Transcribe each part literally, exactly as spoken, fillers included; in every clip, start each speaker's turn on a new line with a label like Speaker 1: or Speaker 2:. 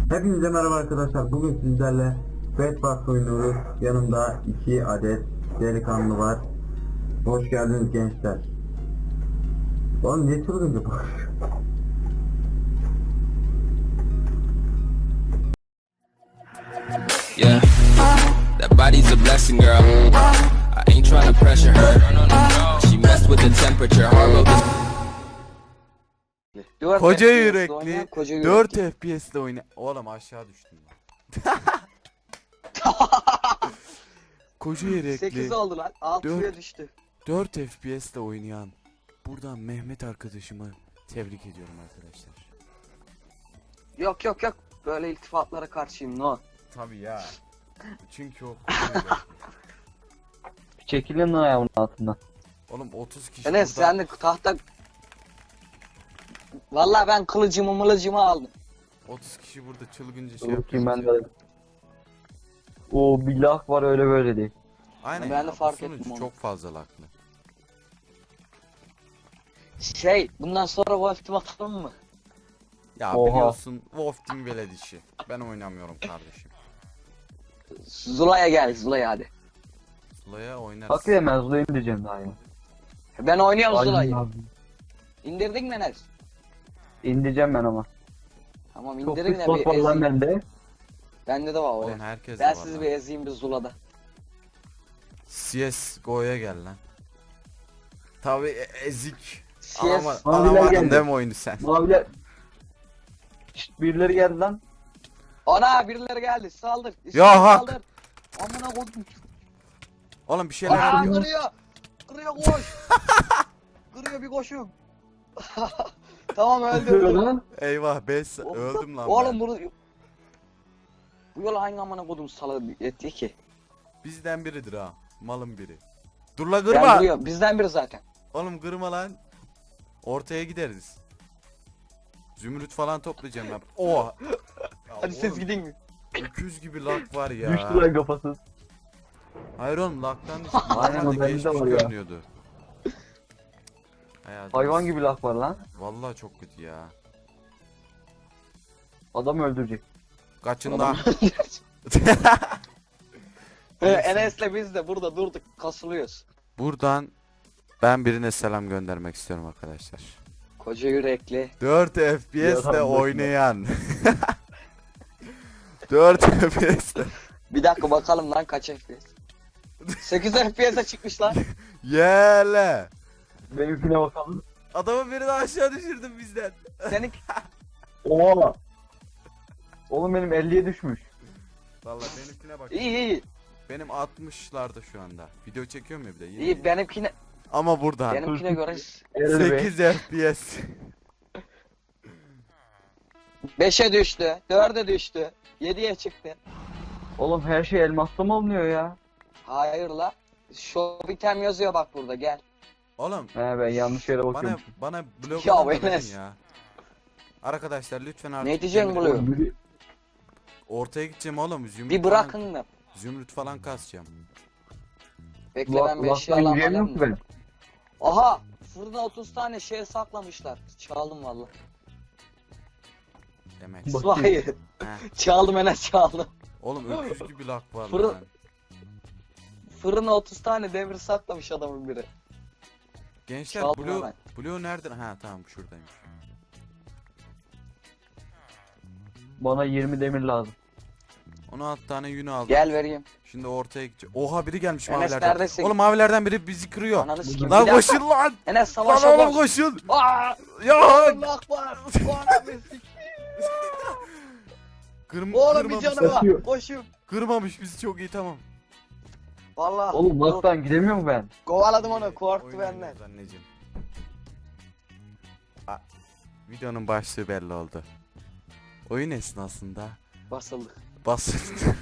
Speaker 1: Hepinize merhaba arkadaşlar. Bugün sizlerle Bedwars oynuyoruz. Yanımda iki adet delikanlı var. Hoş geldiniz gençler. Oğlum niye çılgınca boş?
Speaker 2: Yeah, that body's a blessing, girl. I ain't trying to pressure her. She messed with the temperature. Hard
Speaker 3: Koca yürekli dört F P S'te oyna. Oğlum aşağı düştüm. Koca yürekli
Speaker 4: sekiz oldu lan. altıya
Speaker 3: dört
Speaker 4: düştü.
Speaker 3: dört F P S'te oynayan buradan Mehmet arkadaşımı tebrik ediyorum arkadaşlar.
Speaker 4: Yok yok yok. Böyle iltifatlara karşıyım no.
Speaker 3: Tabii ya. Çünkü o
Speaker 5: Çekilin lan ayağımın altından.
Speaker 3: Oğlum otuz kişi
Speaker 4: Enes
Speaker 3: burada.
Speaker 4: sen de tahta... Vallahi ben kılıcımı mılıcımı aldım.
Speaker 3: otuz kişi burada çılgınca şey
Speaker 5: Bakayım
Speaker 3: yapıyor.
Speaker 5: ben de. O bir lak var öyle böyle değil.
Speaker 3: Aynen.
Speaker 4: Ben
Speaker 3: ya,
Speaker 4: de
Speaker 3: bu
Speaker 4: fark
Speaker 3: sonuç
Speaker 4: ettim onu.
Speaker 3: çok fazla laklı.
Speaker 4: Şey bundan sonra Wolf Team atalım mı?
Speaker 3: Ya
Speaker 5: Oha.
Speaker 3: biliyorsun Wolf Team veled işi. Ben oynamıyorum kardeşim.
Speaker 4: Zula'ya gel Zula'ya hadi.
Speaker 3: Zula'ya oynarız.
Speaker 5: Hakikaten ben Zula'yı indireceğim daha ya.
Speaker 4: Ben oynuyorum Zula'yı.
Speaker 5: Abi.
Speaker 4: İndirdin mi Enes?
Speaker 5: İndireceğim ben ama.
Speaker 4: Tamam
Speaker 5: Çok
Speaker 4: indirin
Speaker 5: pis
Speaker 4: de
Speaker 5: bot
Speaker 4: bir
Speaker 5: var lan
Speaker 4: ezeyim.
Speaker 5: bende.
Speaker 4: Bende de var
Speaker 3: Oğlum
Speaker 4: o.
Speaker 3: herkes
Speaker 4: Ben
Speaker 3: var
Speaker 4: sizi
Speaker 3: lan.
Speaker 4: bir ezeyim bir Zula'da.
Speaker 3: C S G O'ya gel lan. Tabi ezik.
Speaker 4: C S
Speaker 3: Ama
Speaker 5: Maviler
Speaker 3: alamadın
Speaker 5: geldi.
Speaker 3: değil mi oyunu sen?
Speaker 5: Maviler. Şşt birileri geldi lan.
Speaker 4: Ana birileri geldi saldır.
Speaker 3: Ya hak.
Speaker 4: Saldır. Amına koydum.
Speaker 3: Oğlum bir şeyler
Speaker 4: Aa
Speaker 3: yapıyor.
Speaker 4: kırıyor. Kırıyor koş. Kırıyor bir koşun. Tamam öldü.
Speaker 5: lan.
Speaker 3: Eyvah bes öldüm lan
Speaker 4: Oğlum
Speaker 3: ben.
Speaker 4: bunu... Bu yol hangi amına kodum salı etti ki?
Speaker 3: Bizden biridir ha. Malın biri. Dur la
Speaker 4: Gel
Speaker 3: kırma.
Speaker 4: buraya bizden biri zaten.
Speaker 3: Oğlum kırma lan. Ortaya gideriz. Zümrüt falan toplayacağım ben. Oha. Ya
Speaker 4: Hadi siz
Speaker 3: oğlum,
Speaker 4: gidin mi?
Speaker 3: öküz gibi lak var ya.
Speaker 5: Düştü lan kafası.
Speaker 3: Hayır oğlum laktan düştü.
Speaker 5: Aynen, o
Speaker 3: Normalde
Speaker 5: bende
Speaker 3: geçmiş
Speaker 5: var ya.
Speaker 3: görünüyordu. Hayatım.
Speaker 5: Hayvan gibi lak var lan.
Speaker 3: Vallahi çok kötü ya.
Speaker 5: Adam öldürecek.
Speaker 3: Kaçın lan.
Speaker 4: Ee, Enes'le biz de burada durduk kasılıyoruz.
Speaker 3: Buradan ben birine selam göndermek istiyorum arkadaşlar.
Speaker 4: Koca yürekli.
Speaker 3: dört F P
Speaker 5: Ya
Speaker 3: S'te
Speaker 5: tamam,
Speaker 3: oynayan. dört F P S'te.
Speaker 4: Bir dakika bakalım lan kaç F P S. sekiz F P S'e çıkmış lan.
Speaker 3: Yele.
Speaker 5: Benimkine bakalım.
Speaker 3: Adamı birini aşağı düşürdüm bizden.
Speaker 4: Senin
Speaker 5: Oha. Oğlum benim elliye düşmüş.
Speaker 3: Vallahi benimkine bak.
Speaker 4: iyi iyi.
Speaker 3: Benim altmışlarda şu anda. Video çekiyorum ya bir de. Yine
Speaker 4: İyi benimkine
Speaker 3: Ama buradan
Speaker 4: benimkine göre
Speaker 5: elli beş.
Speaker 3: sekiz F P S.
Speaker 4: beşe düştü, dörde düştü, yediye çıktı.
Speaker 5: Oğlum her şey elmasla mı alınıyor ya?
Speaker 4: Hayır la. Show item yazıyor bak burada gel.
Speaker 3: Oğlum
Speaker 5: He ben yanlış yere
Speaker 3: bana
Speaker 5: bakıyormuşum.
Speaker 3: bana blok
Speaker 4: Ya
Speaker 3: falan da verin
Speaker 4: Enes.
Speaker 3: ya. Arkadaşlar lütfen artık.
Speaker 4: Ne diyeceksin
Speaker 3: demir-
Speaker 4: blue?
Speaker 5: Oğlum biri-
Speaker 3: Ortaya gideceğim oğlum. Zümrüt
Speaker 4: Bir
Speaker 3: falan-
Speaker 4: bırakın da.
Speaker 3: Zümrüt falan kasacağım.
Speaker 4: Bekle ben
Speaker 5: Lak,
Speaker 4: bir
Speaker 5: laktan
Speaker 4: eşya
Speaker 5: yürüyemiyorum ki
Speaker 4: alayım.
Speaker 5: ben.
Speaker 4: Aha! Fırına otuz tane şey saklamışlar. Çaldım valla.
Speaker 3: Demek.
Speaker 5: Bak-
Speaker 4: Hayır.
Speaker 3: Heh.
Speaker 4: Çaldım Enes çaldım.
Speaker 3: Oğlum öküz gibi lak var
Speaker 4: Fırın-
Speaker 3: lan.
Speaker 4: Fırına otuz tane demir saklamış adamın biri.
Speaker 3: Gençler
Speaker 4: Çaldım
Speaker 3: Blue,
Speaker 4: hemen.
Speaker 3: Blue nereden? Ha tamam şuradaymış.
Speaker 5: Bana yirmi demir lazım.
Speaker 3: on altı tane yünü aldım.
Speaker 4: Gel vereyim.
Speaker 3: Şimdi ortaya gideceğim. Oha biri gelmiş
Speaker 4: Enes,
Speaker 3: mavilerden.
Speaker 4: neredesin?
Speaker 3: Oğlum mavilerden biri bizi kırıyor.
Speaker 4: Ananı sikeyim.
Speaker 3: Lan
Speaker 4: Bir dakika.
Speaker 3: koşun lan.
Speaker 4: Enes
Speaker 3: Lan
Speaker 4: savaşa
Speaker 3: oğlum
Speaker 4: koş.
Speaker 3: koşun.
Speaker 4: Aa!
Speaker 3: Ya.
Speaker 4: Allah var. Ananı sikeyim.
Speaker 3: Kırm
Speaker 4: Oğlum bir
Speaker 3: kırmamış.
Speaker 4: canım var.
Speaker 5: Kaçıyor.
Speaker 4: Koşun.
Speaker 3: Kırmamış bizi çok iyi tamam.
Speaker 4: Valla.
Speaker 5: Oğlum laktan gidemiyor mu ben?
Speaker 4: Kovaladım onu. Korktu
Speaker 3: Oyun
Speaker 4: benden.
Speaker 3: oynuyoruz anneciğim. Videonun başlığı belli oldu. Oyun esnasında
Speaker 4: Basıldık.
Speaker 3: basın.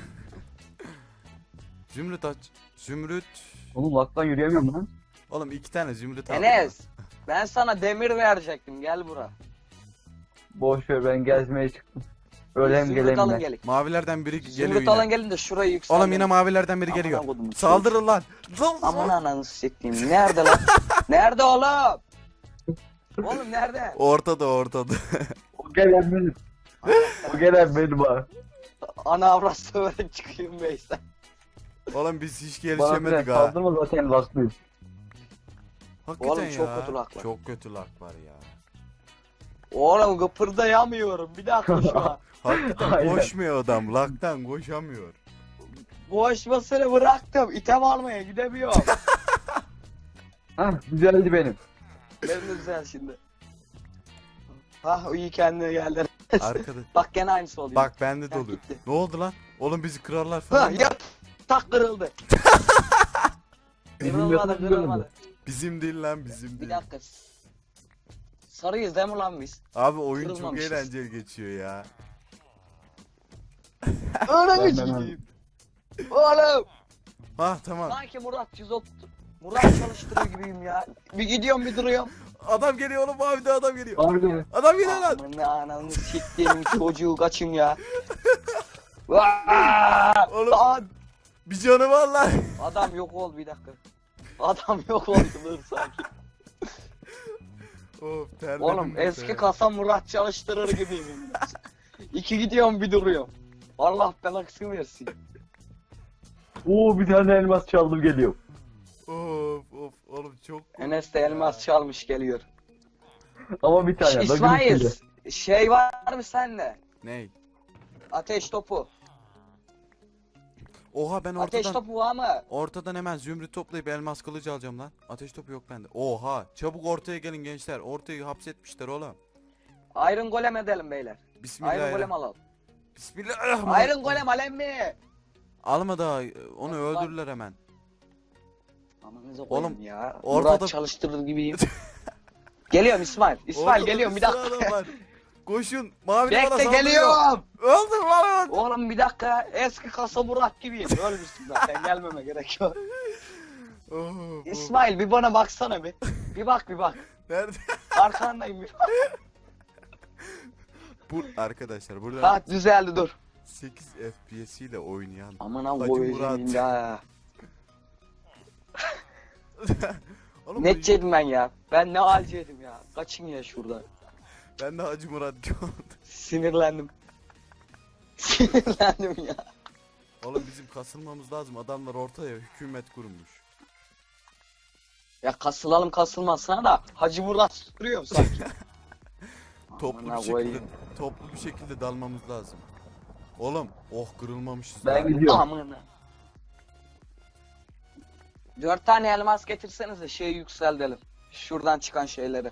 Speaker 3: Zümrüt aç. Zümrüt.
Speaker 5: Oğlum laktan yürüyemiyorum lan.
Speaker 3: Oğlum iki tane zümrüt aldım.
Speaker 4: Enes. Ben sana demir verecektim. Gel bura.
Speaker 5: Boş ver ben gezmeye çıktım. Öyle hem
Speaker 4: Zümrüt
Speaker 5: geleyim
Speaker 4: alın
Speaker 5: ben.
Speaker 4: gelin.
Speaker 3: Mavilerden biri geliyor
Speaker 4: Zümrüt
Speaker 3: yine.
Speaker 4: alın gelin de şurayı yükseltin.
Speaker 3: Oğlum yine mavilerden biri
Speaker 4: Amına
Speaker 3: geliyor.
Speaker 4: kodumun
Speaker 3: Saldırın lan. Sal-
Speaker 4: Aman ananı sikeyim. Nerede lan? Nerede oğlum? Oğlum nerede?
Speaker 3: Ortada ortada.
Speaker 5: O gelen benim. Bu gelen benim ha.
Speaker 4: Ana avrat söverek çıkayım Bey'den.
Speaker 3: Oğlum biz hiç
Speaker 5: Bana
Speaker 3: gelişemedik
Speaker 5: biraz
Speaker 3: ha.
Speaker 5: saldırma zaten laklıyım.
Speaker 3: Hakikaten
Speaker 4: Oğlum çok
Speaker 3: ya.
Speaker 4: kötü lag var.
Speaker 3: Çok kötü lag var ya.
Speaker 4: Oğlum kıpırdayamıyorum. Bir dakika şu an.
Speaker 3: Hakikaten
Speaker 5: Aynen.
Speaker 3: koşmuyor adam. Lag'dan koşamıyor.
Speaker 4: Boğuşmasını bıraktım. İtem almaya gidemiyorum.
Speaker 5: Hah düzeldi benim.
Speaker 4: Benim de güzel şimdi. Hah iyi kendine geldi.
Speaker 3: Arkada.
Speaker 4: Bak gene aynısı oluyor.
Speaker 3: Bak bende de
Speaker 4: Heh,
Speaker 3: oluyor.
Speaker 4: gitti.
Speaker 3: Ne oldu lan? Oğlum bizi kırarlar
Speaker 4: Ha
Speaker 3: falan.
Speaker 4: yap. Tak kırıldı.
Speaker 5: Bizim
Speaker 4: Kırılmadı
Speaker 5: yapımız
Speaker 4: kırılmadı.
Speaker 3: Bizim değil lan bizim
Speaker 4: Bir
Speaker 3: değil.
Speaker 4: dakika. Sarıyız değil mi lan biz?
Speaker 3: Abi oyun çok
Speaker 4: Kırılmamışız.
Speaker 3: eğlenceli geçiyor ya.
Speaker 4: Öyle
Speaker 5: Ben-
Speaker 4: mi
Speaker 5: ben-
Speaker 4: gideyim? Oğlum.
Speaker 3: Ha tamam.
Speaker 4: Sanki Murat yüz otuz. Murat çalıştırıyor gibiyim ya. Bir gidiyorum bir duruyorum.
Speaker 3: Adam geliyor oğlum abi de adam geliyor.
Speaker 5: Harbi.
Speaker 3: Adam geliyor lan.
Speaker 4: Aman ne ananı siktiğim çocuğu kaçın ya. Vaa!
Speaker 3: Oğlum.
Speaker 4: Lan!
Speaker 3: Bir canı var lan.
Speaker 4: Adam yok oldu bir dakika. Adam yok oldu dur sanki.
Speaker 3: Of terledim.
Speaker 4: Oğlum
Speaker 3: be.
Speaker 4: eski kasa Murat çalıştırır gibiyim. İki gidiyorum bir duruyorum. Allah belasını versin.
Speaker 5: Oo bir tane elmas çaldım geliyor.
Speaker 3: Of of oğlum çok.
Speaker 4: Enes de elmas çalmış geliyor.
Speaker 5: Ama bir tane.
Speaker 4: Ş-
Speaker 5: bugün
Speaker 4: İsmail
Speaker 5: içinde.
Speaker 4: şey var mı sende?
Speaker 3: Ney?
Speaker 4: Ateş topu.
Speaker 3: Oha ben
Speaker 4: Ateş
Speaker 3: ortadan
Speaker 4: topu var mı?
Speaker 3: ortadan hemen zümrüt toplayıp elmas kılıcı alacağım lan. Ateş topu yok bende. Oha çabuk ortaya gelin gençler. Ortayı hapsetmişler oğlum.
Speaker 4: Iron Golem edelim beyler. Iron Golem
Speaker 3: Bismillahirrahmanirrahim.
Speaker 4: alalım.
Speaker 3: Bismillahirrahmanirrahim.
Speaker 4: Iron Golem alem mi?
Speaker 3: Alma daha onu
Speaker 4: Bak,
Speaker 3: öldürürler hemen.
Speaker 4: Amanıza
Speaker 3: Oğlum,
Speaker 4: koyayım ya.
Speaker 3: ortada-
Speaker 4: Murat çalıştırır gibiyim. Geliyorum İsmail. İsmail
Speaker 3: Ortada
Speaker 4: geliyorum bir
Speaker 3: sürü
Speaker 4: dakika.
Speaker 3: adam var. Koşun. Mavi de bana
Speaker 4: Bekle
Speaker 3: saldırıyor.
Speaker 4: geliyorum.
Speaker 3: Öldür lan.
Speaker 4: Oğlum bir dakika eski kasa Murat gibiyim. Ölmüşsün zaten gelmeme gerek yok.
Speaker 3: Of, of.
Speaker 4: İsmail bir bana baksana bir. Bir bak bir bak.
Speaker 3: Nerede?
Speaker 4: Arkandayım bir.
Speaker 3: Bu arkadaşlar burada
Speaker 4: Ha düzeldi dur.
Speaker 3: sekiz F P S ile oynayan.
Speaker 4: Aman
Speaker 3: Hacı
Speaker 4: koyayım
Speaker 3: Murat.
Speaker 4: ya.
Speaker 3: Oğlum
Speaker 4: Ne
Speaker 3: bu-
Speaker 4: yedim ben ya? Ben ne halceydim ya. Kaçın ya şurada.
Speaker 3: Ben de Hacı Murat gördüm.
Speaker 4: Sinirlendim. Sinirlendim ya.
Speaker 3: Oğlum bizim kasılmamız lazım. Adamlar ortaya hükümet kurmuş.
Speaker 4: Ya kasılalım kasılmazsana da Hacı Murat duruyor sanki.
Speaker 3: Toplu
Speaker 4: Amına
Speaker 3: bir şekilde
Speaker 4: koyayım.
Speaker 3: toplu bir şekilde dalmamız lazım. Oğlum oh kırılmamışız.
Speaker 5: Ben
Speaker 3: lan.
Speaker 5: gidiyorum.
Speaker 4: Amına. Dört tane elmas getirsenize şeyi yükseltelim. Şuradan çıkan şeyleri.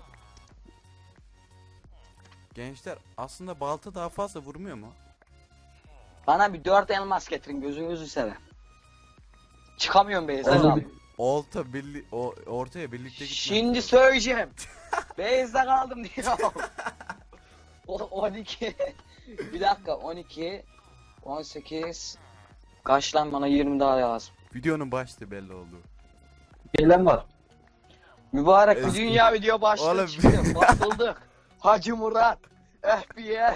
Speaker 3: Gençler aslında balta daha fazla vurmuyor mu?
Speaker 4: Bana bir dört elmas getirin gözünüzü seveyim. Çıkamıyorum Beyza.
Speaker 5: Onu
Speaker 4: abi.
Speaker 5: bir-
Speaker 3: Olta birli o ortaya birlikte gitmemiz
Speaker 4: Şimdi
Speaker 3: lazım.
Speaker 4: söyleyeceğim. Beyza kaldım diyor. O on iki. Bir dakika on iki. on sekiz. Kaç lan bana yirmi daha lazım.
Speaker 3: Videonun başlığı belli oldu.
Speaker 5: Gelen var.
Speaker 4: Mübarek bir
Speaker 3: Eski-
Speaker 4: dünya video başlığı
Speaker 3: Oğlum.
Speaker 4: çıktı. Basıldık. Hacı Murat. F P S.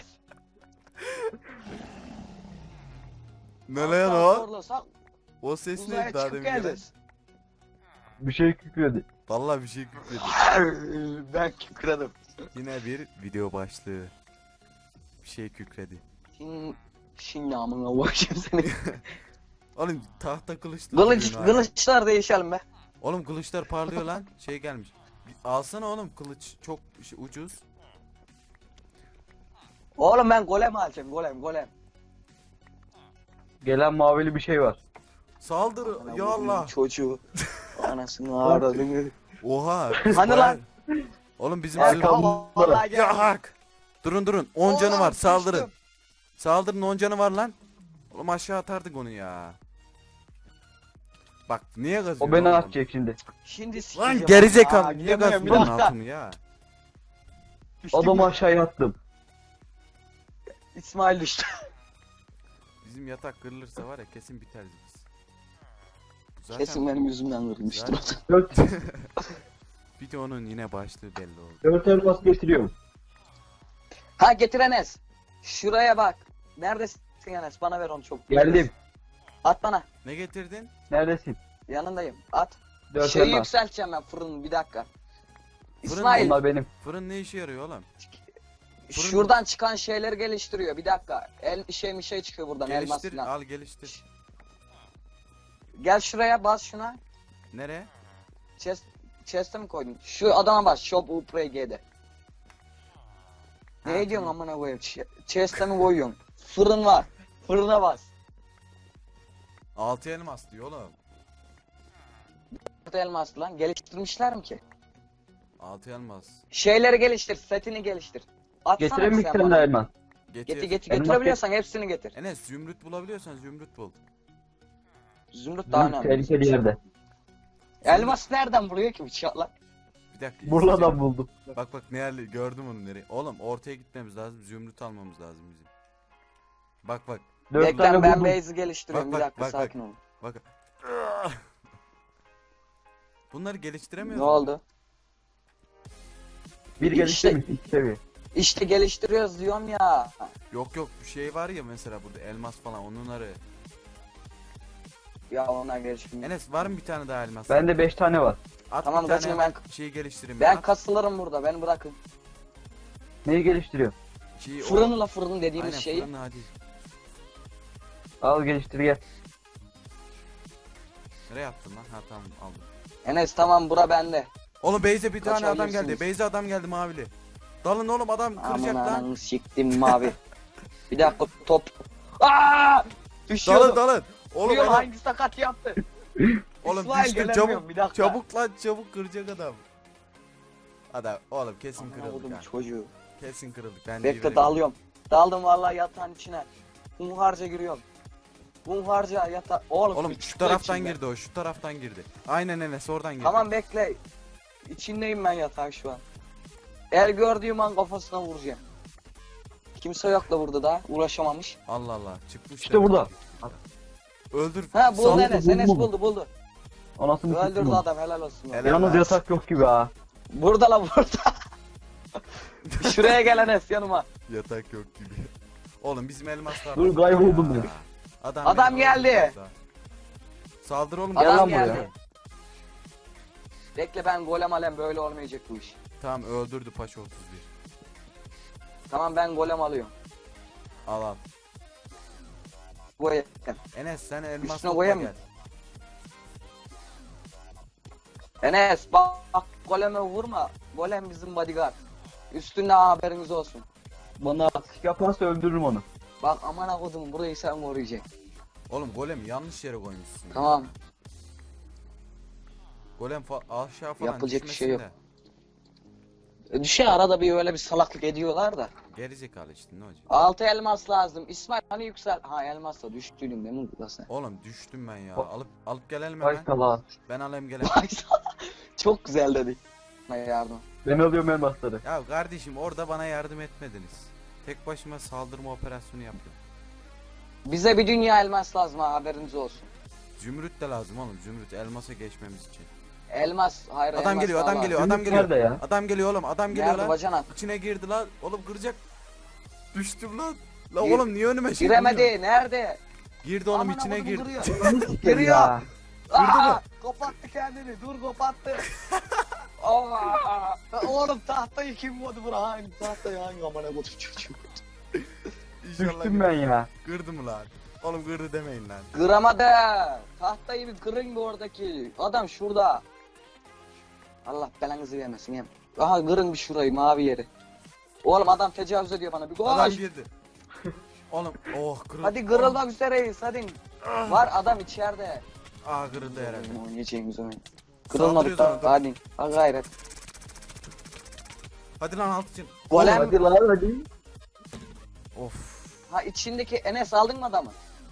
Speaker 3: Ne lan o?
Speaker 4: Zorlasak
Speaker 3: O ses
Speaker 4: uzaya
Speaker 3: neydi daha
Speaker 4: çıkıp
Speaker 3: demin gelen?
Speaker 4: geliriz.
Speaker 5: Bir şey kükredi.
Speaker 3: Vallahi bir şey kükredi.
Speaker 4: Ben kükredim.
Speaker 3: Yine bir video başlığı. Bir şey kükredi.
Speaker 4: Şimdi, şimdi amına koyayım seni.
Speaker 3: Oğlum tahta kılıçlı.
Speaker 4: Kılıç,
Speaker 3: duruyorsun hala.
Speaker 4: kılıçlar değişelim be.
Speaker 3: Oğlum kılıçlar parlıyor lan. Şey gelmiş. Bir alsana oğlum kılıç çok şey- ucuz.
Speaker 4: Oğlum ben golem alacağım golem golem.
Speaker 5: Gelen mavili bir şey var.
Speaker 3: Saldırı
Speaker 4: Amına
Speaker 3: ya
Speaker 4: koyayım
Speaker 3: Allah.
Speaker 4: Çocuğu. Anasını ağradını.
Speaker 3: Oha.
Speaker 5: Bana lan.
Speaker 3: Oğlum bizim
Speaker 4: Ya
Speaker 3: zırh-
Speaker 5: Arkamda.
Speaker 4: vallahi
Speaker 3: Ya
Speaker 4: geldi.
Speaker 3: hak. Durun durun. on canı
Speaker 4: Oğlum,
Speaker 3: var. Saldırın.
Speaker 4: düştüm.
Speaker 3: Saldırın on canı var lan. Oğlum aşağı atardık onu ya. Bak niye kazıyor?
Speaker 5: O beni
Speaker 3: oğlum?
Speaker 5: atacak şimdi.
Speaker 4: Şimdi sikeceğim.
Speaker 3: Lan gerizekalı
Speaker 4: Aa,
Speaker 3: niye
Speaker 4: gidemiyorum, bir
Speaker 3: kazıyorsun
Speaker 4: dakika.
Speaker 3: altını ya?
Speaker 4: Düştüm.
Speaker 5: Adamı aşağıya attım.
Speaker 4: İsmail düştü.
Speaker 3: Bizim yatak kırılırsa var ya kesin biteriz biz. Zaten
Speaker 4: Kesin benim yüzümden kırılmıştır o da.
Speaker 5: Dört,
Speaker 3: videonun yine başlığı belli oldu.
Speaker 5: dört elmas getiriyorum.
Speaker 4: Ha getir Enes. Şuraya bak. Neredesin Enes? Bana ver onu çok.
Speaker 5: Geldim.
Speaker 4: At bana.
Speaker 3: Ne getirdin?
Speaker 5: Neredesin?
Speaker 4: Yanındayım. At.
Speaker 5: Dört
Speaker 4: Şeyi
Speaker 5: elmas.
Speaker 4: yükselteceğim ben fırını bir dakika.
Speaker 3: Fırın
Speaker 4: İsmail.
Speaker 5: Onlar benim.
Speaker 3: Fırın ne işe yarıyor oğlum?
Speaker 4: Şuradan çıkan şeyleri geliştiriyor. Bir dakika. El şey bir şey çıkıyor buradan. Elmas
Speaker 3: Geliştir,
Speaker 4: falan.
Speaker 3: al geliştir.
Speaker 4: Gel şuraya bas şuna.
Speaker 3: Nereye?
Speaker 4: Chest chest'e mi koydun? Şu adama bas. Shop U P G'de.
Speaker 3: Ha,
Speaker 4: Ne diyorsun
Speaker 3: tamam.
Speaker 4: amına koyayım? Ch- Chest'e mi koyuyorsun? Fırın var. Fırına bas.
Speaker 3: Altı elmas diyor oğlum.
Speaker 4: Dört elmas lan. Geliştirmişler mi ki?
Speaker 3: Altı elmas.
Speaker 4: Şeyleri geliştir. Setini geliştir. Atsana
Speaker 5: Getireyim mi
Speaker 4: bir
Speaker 5: iki
Speaker 4: sen
Speaker 5: tane
Speaker 4: bana.
Speaker 5: elmas?
Speaker 3: Getir.
Speaker 4: Getir getir.
Speaker 5: Elmas
Speaker 4: Getirebiliyorsan hepsini getir.
Speaker 3: Enes zümrüt bulabiliyorsan zümrüt bul.
Speaker 4: Zümrüt daha
Speaker 5: Hı,
Speaker 4: önemli.
Speaker 5: tehlikeli yerde.
Speaker 4: Elmas nereden buluyor ki bıçakla?
Speaker 3: Bir dakika.
Speaker 5: Buradan
Speaker 3: izleyeceğim.
Speaker 5: buldum.
Speaker 3: Bak bak ne yerli gördüm onu nereye. Oğlum ortaya gitmemiz lazım. Zümrüt almamız lazım bizim. Bak bak.
Speaker 5: Dört
Speaker 4: Bekle
Speaker 5: tane
Speaker 4: ben
Speaker 5: buldum.
Speaker 4: base'i geliştiriyorum.
Speaker 3: Bak,
Speaker 4: Bir
Speaker 3: bak,
Speaker 4: dakika
Speaker 3: bak, bak.
Speaker 4: sakin olun.
Speaker 3: Bak. Bunları geliştiremiyoruz.
Speaker 4: Ne
Speaker 3: mu?
Speaker 4: oldu?
Speaker 5: Bir
Speaker 4: İşte-
Speaker 5: geliştirmiş iki seviye.
Speaker 4: İşte geliştiriyoruz diyorum ya.
Speaker 3: Yok yok bir şey var ya mesela burada elmas falan onları.
Speaker 4: Ya onlar gelişmiyor.
Speaker 3: Enes var mı bir tane daha elmas?
Speaker 5: Bende beş tane var.
Speaker 3: At
Speaker 4: Tamam,
Speaker 3: bir tane
Speaker 4: kaçayım
Speaker 3: hemen
Speaker 4: ben.
Speaker 3: şeyi geliştireyim.
Speaker 4: Ben
Speaker 3: at.
Speaker 4: kasılırım burada. Beni bırakın.
Speaker 5: Neyi geliştiriyor?
Speaker 3: Şeyi, o-
Speaker 4: Fırınla fırın dediğimiz
Speaker 3: Aynen,
Speaker 4: şeyi.
Speaker 3: fırını hadi.
Speaker 5: Al geliştir gel.
Speaker 3: Nereye attın lan? Ha tamam aldım.
Speaker 4: Enes tamam bura bende.
Speaker 3: Oğlum Beyze bir tane adam geldi.
Speaker 4: Kaçabilirsiniz.
Speaker 3: Beyze adam geldi mavili. Dalın oğlum adam
Speaker 4: Aman
Speaker 3: kıracak lan.
Speaker 4: ananı siktim mavi. Bir dakika top. Aaaa!
Speaker 3: Dalın
Speaker 4: Düşüyordum.
Speaker 3: dalın. Oğlum
Speaker 4: Vuruyor,
Speaker 3: adam,
Speaker 4: hangi sakat yaptı?
Speaker 3: oğlum
Speaker 4: İsmail,
Speaker 3: düştü
Speaker 4: gelemiyorum,
Speaker 3: çabuk.
Speaker 4: bir dakika.
Speaker 3: Çabuk lan çabuk kıracak adam. Adam oğlum kesin
Speaker 4: Aman
Speaker 3: kırıldı
Speaker 4: oğlum
Speaker 3: kanka.
Speaker 4: çocuğu.
Speaker 3: Kesin kırıldı. Ben
Speaker 4: Bekle dalıyorum. Daldım vallahi yatağın içine. Hunharca giriyorum. Hunharca yata. Oğlum,
Speaker 3: Oğlum
Speaker 4: bir
Speaker 3: şu
Speaker 4: çıktı
Speaker 3: taraftan
Speaker 4: içinden.
Speaker 3: girdi o şu taraftan girdi. Aynen Enes oradan girdi.
Speaker 4: Tamam bekle. İçindeyim ben yatağın şu an. El gördüğüm an kafasına vuracağım. Kimse yok da burada da uğraşamamış.
Speaker 3: Allah Allah çıkmış.
Speaker 5: İşte
Speaker 3: demek
Speaker 5: burada.
Speaker 3: ki. Öldür.
Speaker 4: Ha buldu
Speaker 3: Sal-
Speaker 4: Enes.
Speaker 5: buldu,
Speaker 4: Enes
Speaker 5: buldu.
Speaker 4: buldu buldu.
Speaker 5: Anasını
Speaker 4: Öldürdü
Speaker 5: siktim.
Speaker 4: adam helal olsun.
Speaker 3: Helal.
Speaker 5: Yalnız yatak yok gibi ha.
Speaker 4: Burada la burada. Şuraya gel Enes yanıma.
Speaker 3: Yatak yok gibi. Oğlum bizim elmaslar.
Speaker 5: Dur, kayboldum
Speaker 3: Ya.
Speaker 5: ben.
Speaker 3: Adam,
Speaker 4: Adam
Speaker 3: beni
Speaker 4: geldi.
Speaker 3: öldürdü orada. Saldır oğlum.
Speaker 5: Gel
Speaker 4: Adam
Speaker 5: lan buraya.
Speaker 4: geldi. Bekle ben golem alem böyle olmayacak bu iş.
Speaker 3: Tamam öldürdü Paşa otuz bir.
Speaker 4: Tamam ben golem alıyorum.
Speaker 3: Al al.
Speaker 4: Golem.
Speaker 3: Enes sen elmas
Speaker 4: Üstüne
Speaker 3: topla
Speaker 4: koyayım mı?
Speaker 3: gel.
Speaker 4: Enes bak, bak goleme vurma. Golem bizim bodyguard. Üstünde haberiniz olsun.
Speaker 5: Bana atış yaparsa öldürürüm onu.
Speaker 4: Bak aman akıdım burayı sen koruyacaksın.
Speaker 3: Oğlum golem yanlış yere koymuşsun.
Speaker 4: Tamam.
Speaker 3: Golem fa aşağı falan
Speaker 4: Yapılacak bir
Speaker 3: düşmesin
Speaker 4: şey yok.
Speaker 3: de.
Speaker 4: E, Düşe arada bir öyle bir salaklık ediyorlar da.
Speaker 3: Gerizekalı işte ne olacak?
Speaker 4: Altı elmas lazım. İsmail hani yüksel. Ha elmas da düştüydüm değil mi burada sen?
Speaker 3: Oğlum düştüm ben ya.
Speaker 5: Bak.
Speaker 3: Alıp alıp gelelim
Speaker 5: Vay
Speaker 3: hemen.
Speaker 5: salağa.
Speaker 3: Ben alayım gelelim.
Speaker 4: Çok güzel dedik. Bana yardım.
Speaker 5: Ben alıyorum elmasları.
Speaker 3: Ya kardeşim orada bana yardım etmediniz. Tek başıma saldırma operasyonu yaptım.
Speaker 4: Bize bir dünya elmas lazım ha haberiniz olsun.
Speaker 3: Zümrüt de lazım oğlum. Zümrüt elmasa geçmemiz için.
Speaker 4: Elmas hayır
Speaker 3: Adam
Speaker 4: elmas
Speaker 3: geliyor,
Speaker 4: daha
Speaker 3: adam
Speaker 4: lazım.
Speaker 3: geliyor, adam
Speaker 5: Zümrüt
Speaker 3: geliyor.
Speaker 5: nerede ya?
Speaker 3: Adam geliyor oğlum, adam geliyor
Speaker 4: Nerede
Speaker 3: lan.
Speaker 4: bacanak?
Speaker 3: İçine girdi lan. Oğlum kıracak. Düştüm lan. La
Speaker 4: Gir-
Speaker 3: oğlum niye önüme şey
Speaker 4: Giremedi
Speaker 3: koyuyorsun?
Speaker 4: nerede?
Speaker 3: Girdi oğlum
Speaker 4: Aman
Speaker 3: içine
Speaker 4: aman,
Speaker 3: girdi.
Speaker 4: vuruyor. Giriyor.
Speaker 5: Ya.
Speaker 4: Aa, kopattı kendini. Dur kopattı. Aa, oğlum tahtayı kim vurdu bura? Hangi tahtayı hangi amına koydum çocuğum?
Speaker 3: İnşallah
Speaker 5: Düştüm ben ya.
Speaker 3: Kırdı mı lan? Oğlum kırdı demeyin lan.
Speaker 4: Kıramadı. Tahtayı bir kırın bir oradaki. Adam şurada. Allah belanızı vermesin hem. Aha kırın bir şurayı mavi yeri. Oğlum adam tecavüz ediyor bana bir koş.
Speaker 3: Adam girdi. Oğlum oh kırıldı.
Speaker 4: Hadi kırılmak üzereyiz hadi. Var adam içeride.
Speaker 3: Aa kırıldı herhalde.
Speaker 4: Oynayacağımız oyun.
Speaker 3: Saldırıyoruz
Speaker 4: Kırılmadık
Speaker 3: ona,
Speaker 4: da
Speaker 3: dur.
Speaker 4: hadi. Ha gayret.
Speaker 3: Hadi lan alt için.
Speaker 4: Golem.
Speaker 5: Hadi lan hadi.
Speaker 3: Of.
Speaker 4: Ha içindeki Enes aldın mı adamı?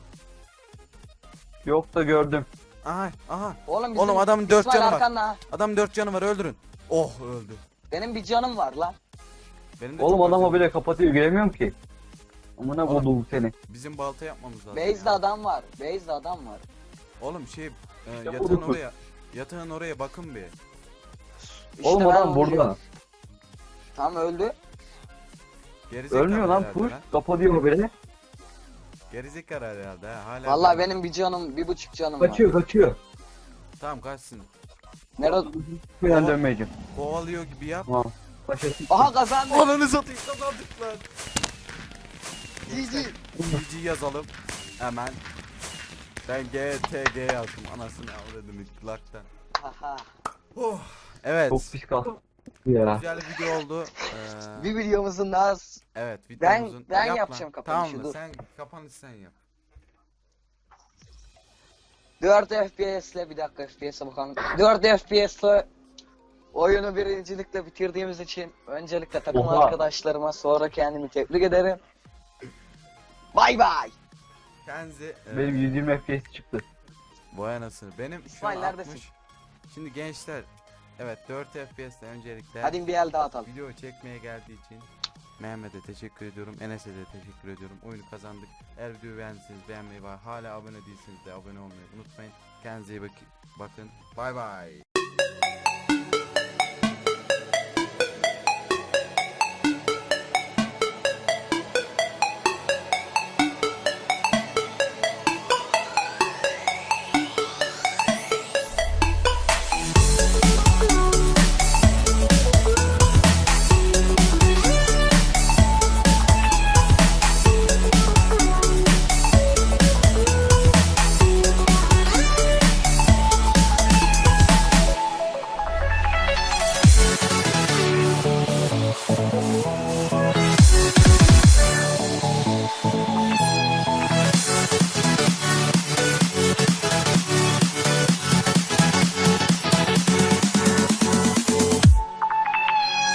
Speaker 5: Yok da gördüm.
Speaker 3: Aha aha.
Speaker 4: Oğlum bizim
Speaker 3: Oğlum adamın dört
Speaker 4: İsmail
Speaker 3: canı var.
Speaker 4: arkanda ha.
Speaker 3: Adam dört canı var öldürün. Oh öldü.
Speaker 4: Benim bir canım var lan.
Speaker 3: Benim de
Speaker 5: Oğlum
Speaker 3: çok
Speaker 5: adam
Speaker 3: acı.
Speaker 5: o bile kapatıyor giremiyorum ki. Amına
Speaker 3: Oğlum.
Speaker 5: koduğum seni.
Speaker 3: Bizim balta yapmamız lazım.
Speaker 4: Base'de
Speaker 3: ya.
Speaker 4: adam var. Base'de adam var.
Speaker 3: Oğlum şey e,
Speaker 5: Ya
Speaker 3: yatağın
Speaker 5: vurursun.
Speaker 3: oraya. Yatağın oraya bakın bir.
Speaker 4: İşte
Speaker 5: Oğlum
Speaker 4: ben
Speaker 5: adam
Speaker 4: onu
Speaker 5: burada.
Speaker 4: diyorum. Tam öldü.
Speaker 3: Gerizekalı
Speaker 5: Ölmüyor lan
Speaker 3: herhalde
Speaker 5: push. Kapatıyor o bile.
Speaker 3: Gerizekalı herhalde ha. Hala.
Speaker 4: Vallahi benim bir canım, bir buçuk canım var.
Speaker 5: Kaçıyor kaçıyor.
Speaker 3: Tamam kaçsın.
Speaker 4: Nerede?
Speaker 5: Ben dönmeyeceğim.
Speaker 3: Kovalıyor gibi yap.
Speaker 5: Tamam. Başarısız.
Speaker 4: Aha kazandık.
Speaker 3: Ananı satayım, kazandık lan.
Speaker 4: G G.
Speaker 3: G G yazalım. Hemen. Ben G T G yazdım. Anasını avradım Clark'tan.
Speaker 4: Haha.
Speaker 3: Oh. Evet.
Speaker 5: Çok pis kaldı ya.
Speaker 3: Güzel bir video oldu. Ee,
Speaker 4: Bir videomuzun daha s-
Speaker 3: evet
Speaker 4: Ben-
Speaker 3: videomuzun.
Speaker 4: ben
Speaker 3: Yap lan.
Speaker 4: yapacağım kapanışı,
Speaker 3: Tamam mı?
Speaker 4: dur.
Speaker 3: Sen kapanış sen yap.
Speaker 4: dört F P S ile bir dakika F P S'e bakalım. dört F P S ile oyunu birincilikle bitirdiğimiz için öncelikle takım
Speaker 5: Oha.
Speaker 4: arkadaşlarıma sonra kendimi tebrik ederim. Bay bay.
Speaker 3: Kendinize e,
Speaker 5: Benim yüz yirmi F P S çıktı.
Speaker 3: vay anasını. Benim şu an
Speaker 4: İsmail neredesin?
Speaker 3: altmış. Şimdi gençler, evet dört F P S'te öncelikle
Speaker 4: Hadi bir el daha atalım.
Speaker 3: video çekmeye geldiği için Mehmet'e teşekkür ediyorum. Enes'e de teşekkür ediyorum. Oyunu kazandık. Eğer videoyu beğendiyseniz beğenmeyi ve hala abone değilseniz de abone olmayı unutmayın. Kendinize iyi bak bakın. Bay bay.